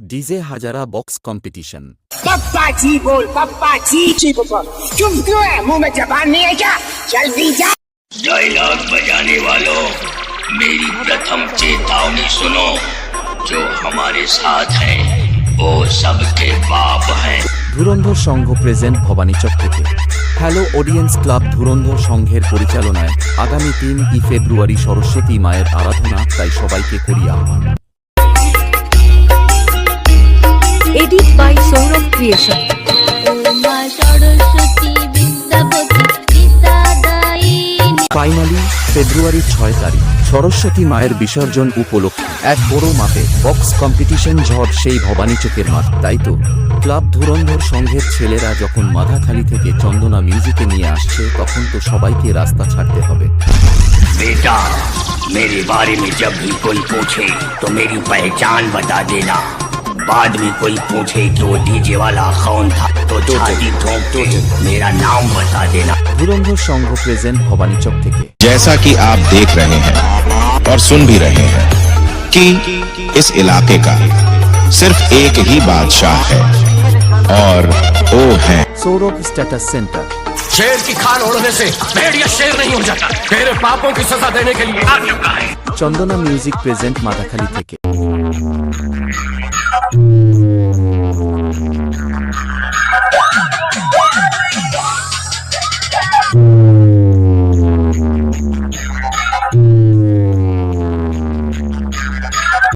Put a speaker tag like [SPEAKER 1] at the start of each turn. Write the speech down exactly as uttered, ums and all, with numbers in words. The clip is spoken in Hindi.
[SPEAKER 1] डीजे हजारा बॉक्स कंपटीशन।
[SPEAKER 2] पप्पा जी बोल, पप्पा जी जी पप्पा। चुप क्यों है? मुंह में जबान नहीं है क्या? जल्दी जा।
[SPEAKER 3] डायलॉग बजाने वालों, मेरी प्रथम चेतावनी सुनो। जो हमारे साथ है वो सबके बाप है।
[SPEAKER 1] ধুরন্ধর সংঘ প্রেজেন্ট ভবানীচক থেকে। হ্যালো অডিয়েন্স ক্লাব ধুরন্ধর সংঘের পরিচালনায় আগামী তিন ই ফেব্রুয়ারি সরস্বতী মায়ের আরাধনা, তাই সবাইকে করি আহ্বান।
[SPEAKER 4] Edit by Sourav creation.
[SPEAKER 1] Finally February ছয় তারিখ সরস্বতী মায়ের বিসর্জন উপলক্ষে এক বড় মাপে বক্স কম্পিটিশন ঝড় সেই ভবানীচকের মাঠ। তাই তো ক্লাব ধুরন্ধর সংঘের ছেলেরা যখন মাথাখালি থেকে চন্দনা মিউজিকে নিয়ে আসছে, তখন তো সবাইকে রাস্তা ছাড়তে হবে।
[SPEAKER 3] बेटा, मेरे बारे में जब भी कोई पूछे तो मेरी पहचान बता देना। बाद में कोई पूछे कि वो डीजे वाला कौन था तो छाती ठोक के मेरा नाम बता देना।
[SPEAKER 1] ধুরন্ধর সংঘ প্রেজেন্ট ভবানীচক থেকে।
[SPEAKER 5] जैसा कि आप देख रहे हैं और सुन भी रहे हैं कि इस इलाके का सिर्फ एक ही बादशाह है और वो है
[SPEAKER 1] সৌরভ স্ট্যাটাস সেন্টার।
[SPEAKER 6] शेर की खाल ओढ़ने से भेड़िया शेर नहीं हो जाता। तेरे पापों की सजा देने के लिए आ चुका है।
[SPEAKER 1] চন্দনা মিউজিক প্রেজেন্ট মাথাখালি থেকে।